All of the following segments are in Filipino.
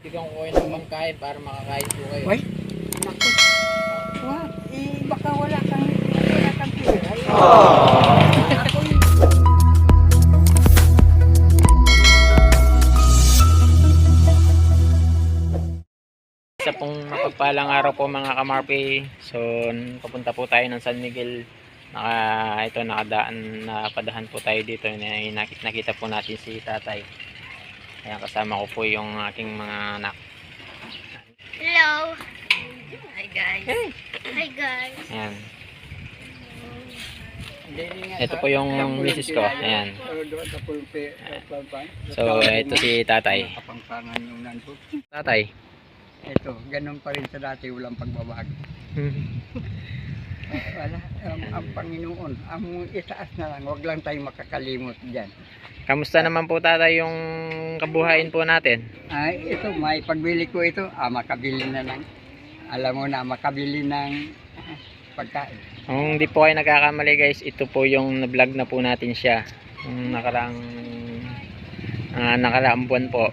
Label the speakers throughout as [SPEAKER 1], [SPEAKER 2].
[SPEAKER 1] Bigyan ko kayo ng pangkain para makakain po kayo.
[SPEAKER 2] Uy, naku. What? Baka wala kang pera. Ako yung...
[SPEAKER 1] Isa pong mapagpalang araw po mga kamarpi. So, papunta po tayo ng San Miguel. Nakadaan na padahan po tayo dito. Nakita po natin si tatay. Ayan, kasama ko po yung aking mga anak.
[SPEAKER 3] Hello. Hi guys.
[SPEAKER 1] Hey.
[SPEAKER 3] Hi guys.
[SPEAKER 1] Ayan. Ito po yung misis ko. Ayan. So, ito si tatay.
[SPEAKER 2] Kapangpangan yung nanto.
[SPEAKER 1] Tatay.
[SPEAKER 2] Ito, ganun pa rin sa dati, walang pagbabago. Wala, ang Panginoon, ang itaas na lang, wag lang tayo makakalimot dyan.
[SPEAKER 1] Kamusta naman po tatay yung kabuhayin po natin?
[SPEAKER 2] Ay, ito, may pagbili ko ito, makabili na lang. Alam mo na, makabili ng pagkain.
[SPEAKER 1] Kung hindi po kayo nagkakamali guys, ito po yung na-vlog na po natin siya. Yung nakaraang buwan po.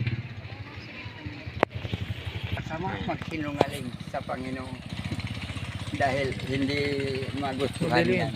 [SPEAKER 2] Kasama magsinungaling sa Panginoon. Dahil hindi magustuhan yan.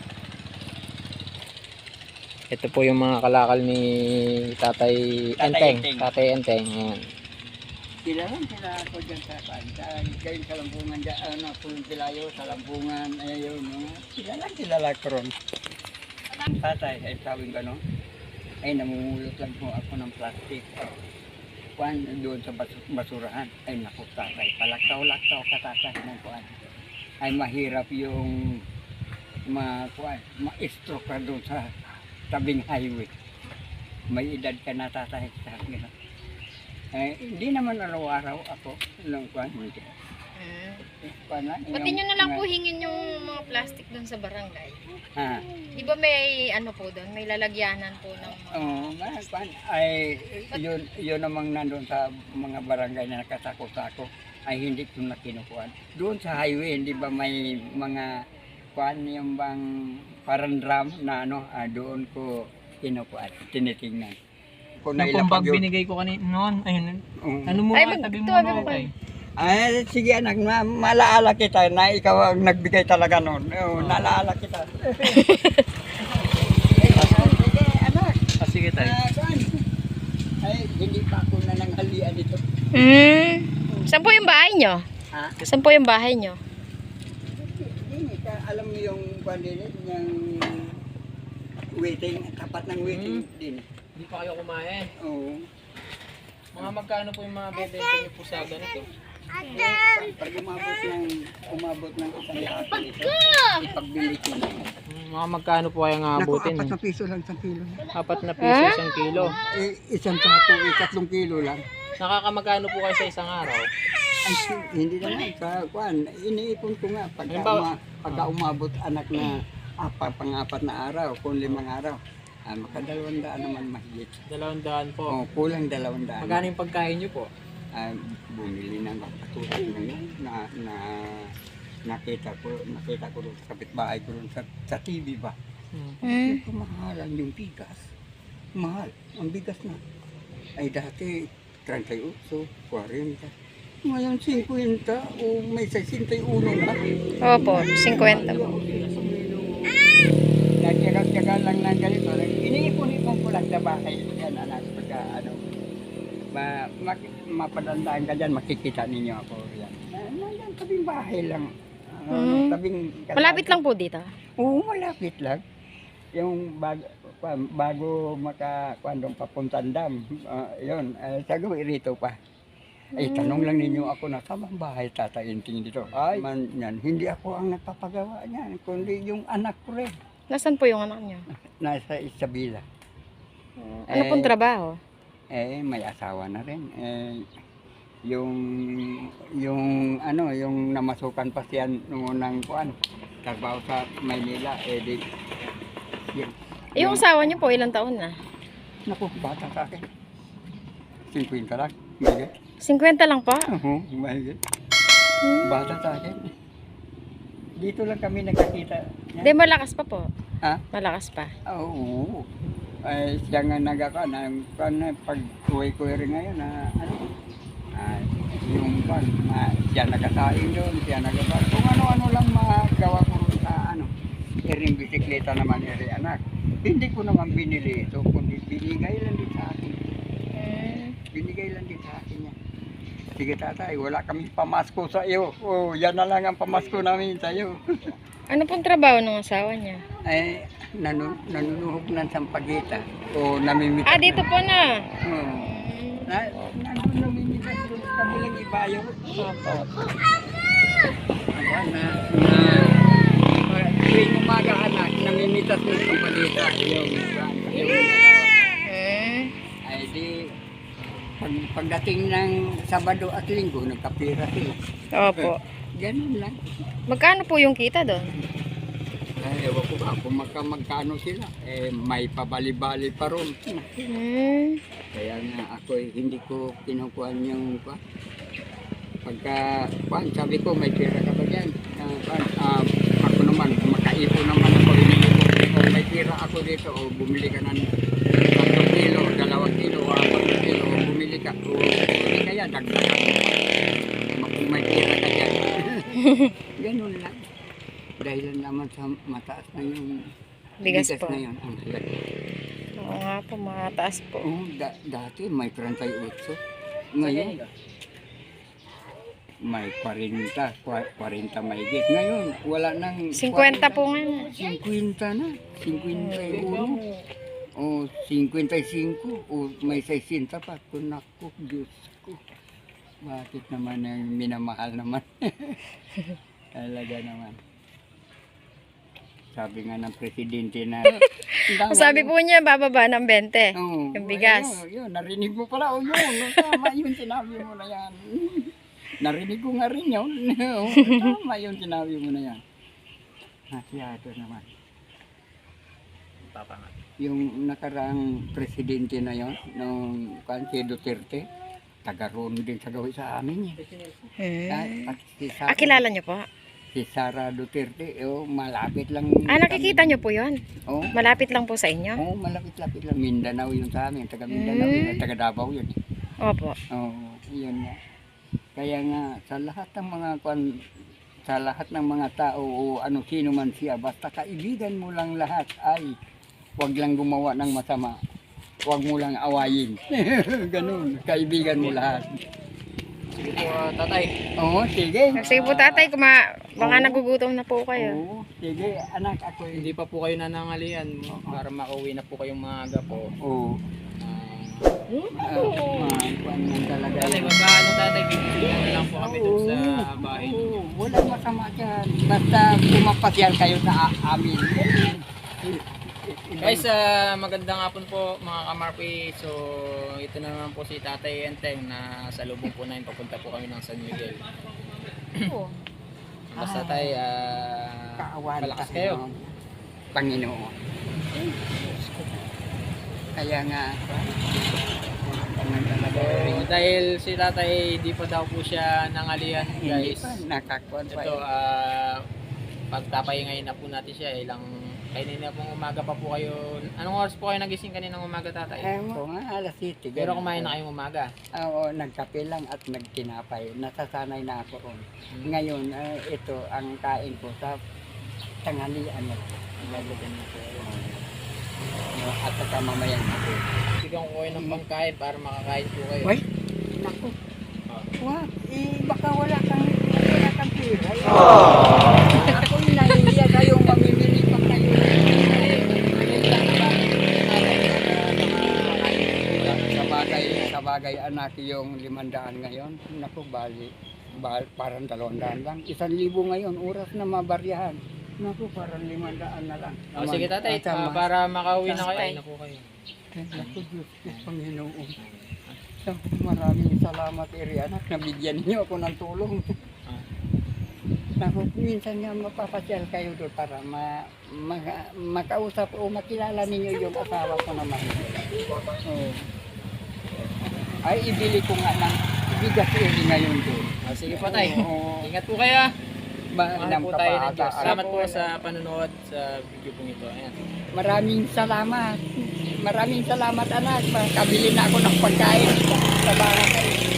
[SPEAKER 1] Ito po yung mga kalakal ni Tatay Enteng. Tatay Enteng. Ayan.
[SPEAKER 2] Sila ako dyan sa kain sa Lampungan dyan, Pulong Pilayo, sa Lampungan, ayun, kilala ko ron. Tatay, ay tawing gano'n, ay namumulot lang po ako ng plastic. Kuan doon sa basurahan, ay naku tatay, palaktaw-laktaw katatay ng kuan. Ay mahirap yung ma-stroke ka doon sa tabing highway. May edad ka na tatay sa akin. Hindi naman araw-araw ako ng kuan.
[SPEAKER 3] Pati nyo na lang po hingin yung mga plastic doon sa barangay.
[SPEAKER 2] Ha.
[SPEAKER 3] Di ba may ano po doon? May lalagyanan po ng mga...
[SPEAKER 2] Oo, kuan. Ay, yun namang nandun sa mga barangay na nakasako-sako ay hindi ko na kinukuhan. Doon sa highway, hindi ba may mga kuan yung bang parang drum na doon ko kinukuhan, tinitingnan. Kung
[SPEAKER 1] Yung pang bag binigay ko kanina noon, ayun. Ano mo, tabi mo na tayo.
[SPEAKER 2] Ay, sige anak, malaala kita na ikaw ang nagbigay talaga noon. Nalaala kita. Sige anak.
[SPEAKER 1] Sige tayo.
[SPEAKER 2] Ay, hindi pa ako nananghalian dito.
[SPEAKER 3] Saan po yung bahay nyo?
[SPEAKER 2] Ha?
[SPEAKER 3] Saan po yung bahay nyo?
[SPEAKER 2] Alam mo yung pandinit, yung waiting, tapat ng waiting din.
[SPEAKER 1] Hindi pa kayo kumain.
[SPEAKER 2] Oo.
[SPEAKER 1] Mga magkano po yung mga bebenta niyo po sa ganito?
[SPEAKER 2] Pag umabot ng isang lahat nito, ipagbili ko na.
[SPEAKER 1] Mga magkano po kayang abutin?
[SPEAKER 2] Naku, 4 na piso lang, 1 kilo.
[SPEAKER 1] 4 na piso, 1 kilo.
[SPEAKER 2] Isang sako, 3 kilo lang.
[SPEAKER 1] Nakakamagkano po kayo sa isang araw?
[SPEAKER 2] Ay, hindi naman sa kuan. Iniipon ko nga pagka umabot anak na pang-4 na araw, kung 5 araw. Maka 200 naman mahigit.
[SPEAKER 1] 200 po.
[SPEAKER 2] Oh, kulang 200.
[SPEAKER 1] Magkano yung pagkain niyo po?
[SPEAKER 2] Bumili ng katulad ngayon na nakita ko doon sa kapitbahay ko doon sa TV ba. Mahalan yung bigas. Mahal. Ang bigas na. Ay dati 38, 40. Ngayon 50 o may 61 na.
[SPEAKER 3] Opo, 50 po.
[SPEAKER 2] Nagtyaga lang ng ganito. Iniipon-ipon ko lang sa bahay. Yan anak, pagka mapadandaan ka dyan, makikita ninyo ako. Yan. Yan, tabing bahay lang.
[SPEAKER 3] Malapit lang po dito?
[SPEAKER 2] Oo, malapit lang. Yung bago makakuandong papuntang dam, yun, sagawin rito pa. Ay, tanong lang ninyo ako na tamang bahay tatainting dito. Ay, yan, hindi ako ang nagpapagawa niyan, kundi yung anak ko rin.
[SPEAKER 3] Nasaan po yung anak nyo?
[SPEAKER 2] Nasa Isabela.
[SPEAKER 3] Ano pong trabaho?
[SPEAKER 2] May asawa na rin. Yung namasukan pa siya noong ng kuan, trabaho sa Maynila,
[SPEAKER 3] Yung asawa nyo po, ilang taon na?
[SPEAKER 2] naku, bata sa akin. 50 lang, mahigit.
[SPEAKER 3] 50 lang pa?
[SPEAKER 2] Oo, mahigit. Bata sa akin. Dito lang kami nagkakita.
[SPEAKER 3] Hindi, malakas pa po.
[SPEAKER 2] Ha?
[SPEAKER 3] Malakas pa.
[SPEAKER 2] Oo. Ay, siya nga pag uwi ko rin ngayon na kwan, siya nagkasaing doon, siya nagkasaing. Kung ano-ano lang magawa ko rin sa ano, iring bisikleta naman iri anak. Hindi ko naman binili ito, kundi binigay lang din sa akin. Binigay lang din sa akin yan. Sige tatay, wala kami pamasko sa iyo. Oh, yan na lang ang pamasko namin sa iyo.
[SPEAKER 3] Ano pong trabaho ng asawa niya?
[SPEAKER 2] Ay, nanunuhog ng sampagita. O namimitas.
[SPEAKER 3] Ah, dito po na.
[SPEAKER 2] Oo. Nandun namimitas doon sa kabilang ibayo. Tuwing umaga anak, namimitas ng sampagita. Ay di, pagdating ng Sabado at Linggo, nagkapira sila.
[SPEAKER 3] Opo.
[SPEAKER 2] Ganun lang.
[SPEAKER 3] Magkano po yung kita doon?
[SPEAKER 2] Ay, ewan ko ba kung magkano sila. Eh, may pabali-bali pa ron. Kaya nga ako hindi ko kinukuhan yung pagka sabi ko may pera ka ba dyan? Ako naman, makaipon naman ako. Kung may pera ako dito, o bumili ka ng 3 kilo, 2 kilo, o 4 kilo, o bumili ka, o bumili kaya, dagdagan mo. Kung may pera ka dyan. Ganun lang. Dahil naman sa mataas na yung
[SPEAKER 3] Bigas po.
[SPEAKER 2] na yun.
[SPEAKER 3] Oo nga po, mataas po.
[SPEAKER 2] Dati may 38. Ngayon, may 40 mahigit. Ngayon, wala nang
[SPEAKER 3] 50 po nga.
[SPEAKER 2] 50 na. 51. O 55. O may 60 pa. Naku, Diyos ko. Bakit naman ang minamahal naman? Talaga naman. Sabi nga ng presidente na...
[SPEAKER 3] Sabi po niya, bababa ng 20.
[SPEAKER 2] Oo,
[SPEAKER 3] Yung bigas.
[SPEAKER 2] Yun, narinig mo pala. O yun, tama yun, sinabi mo na yan. Narinig ko nga rin yun. Tama yun, sinabi mo na yan. Masyado naman. Yung nakaraang presidente na yun, nung si Duterte, taga-roon din sa gawin sa amin. At si Sara,
[SPEAKER 3] Kilala niyo po?
[SPEAKER 2] Si Sara Duterte, malapit lang.
[SPEAKER 3] Nakikita niyo po yun?
[SPEAKER 2] Oh,
[SPEAKER 3] Malapit lang po sa inyo?
[SPEAKER 2] malapit-lapit lang. Mindanao yun sa amin. Taga Mindanao yun. Taga Davao yun.
[SPEAKER 3] Opo.
[SPEAKER 2] Yun nga. Kaya nga, sa lahat ng mga tao o ano sino man siya, basta kaibigan mo lang lahat ay huwag lang gumawa ng masama. Huwag mo lang awayin. Ganun. Kaibigan mo lahat.
[SPEAKER 1] Sige po, tatay.
[SPEAKER 2] Oo, sige.
[SPEAKER 3] Sige po tatay, baka nagugutom na po kayo.
[SPEAKER 2] Oo, sige. Anak, ako
[SPEAKER 1] Hindi pa po kayo nanangalian para makauwi na po kayong maaga po.
[SPEAKER 2] Oo. Kuan yan talaga.
[SPEAKER 1] Tatay, magkano tatay? Bibigyan na lang po kami dun sa bahay.
[SPEAKER 2] Oo, walang masama dyan. Basta pumapasyal kayo sa amin.
[SPEAKER 1] Guys, magandang hapon po mga kamarpi. So, ito na naman po si Tatay Enteng na sa lubong po namin papunta po kami ng San Miguel. Basta tayo,
[SPEAKER 2] Kaawan
[SPEAKER 1] malakas kayo.
[SPEAKER 2] ng Panginoon. Kaya nga,
[SPEAKER 1] So, dahil si Tatay di pa daw po siya nangalian
[SPEAKER 2] hindi
[SPEAKER 1] guys.
[SPEAKER 2] pa nakakuan pa.
[SPEAKER 1] Ito, pagtapahingayin na po natin siya. Kanina pong umaga pa po kayo. Anong oras po kayo nagising kaninang umaga, Tatay?
[SPEAKER 2] Ko nga, alas 7.
[SPEAKER 1] Pero kumain na kayong umaga.
[SPEAKER 2] Oo, nagkape lang at nagtinapay. Nasasanay na ako ron. Ngayon, ito ang kain ko sa tanghalian. Lalagyan ko. At saka mamayang ako.
[SPEAKER 1] Bigyan ko kayo ng pangkain para makakain po kayo.
[SPEAKER 2] Wait, naku. What? Baka wala kang pera. Ako inahiya kayong mamimili pa kayo. Sa bagay anak yung 500 ngayon. Naku, parang 200 lang. 1,000 ngayon, oras na mabaryahan. Naku, parang 500 na lang.
[SPEAKER 1] Sige, Tatay, para makauwi na kayo. Ay na po kayo.
[SPEAKER 2] Naku, Diyos ko, Panginoon. Maraming salamat, anak. Nabigyan niyo ako ng tulong. Naku, minsan nga mapapasyal kayo doon para makausap o makilala ninyo yung asawa ko naman. Oh. Ay, ibili ko nga ng bigas ngayon doon.
[SPEAKER 1] Sige po, Tay.
[SPEAKER 2] Oo.
[SPEAKER 1] Ingat po kayo. Mahal po tayo ng Diyos.
[SPEAKER 2] Salamat
[SPEAKER 1] Salamat po sa panonood sa video pong ito. Ayan.
[SPEAKER 2] Maraming salamat. Maraming salamat, anak. Makabili na ako ng pagkain sa bahay.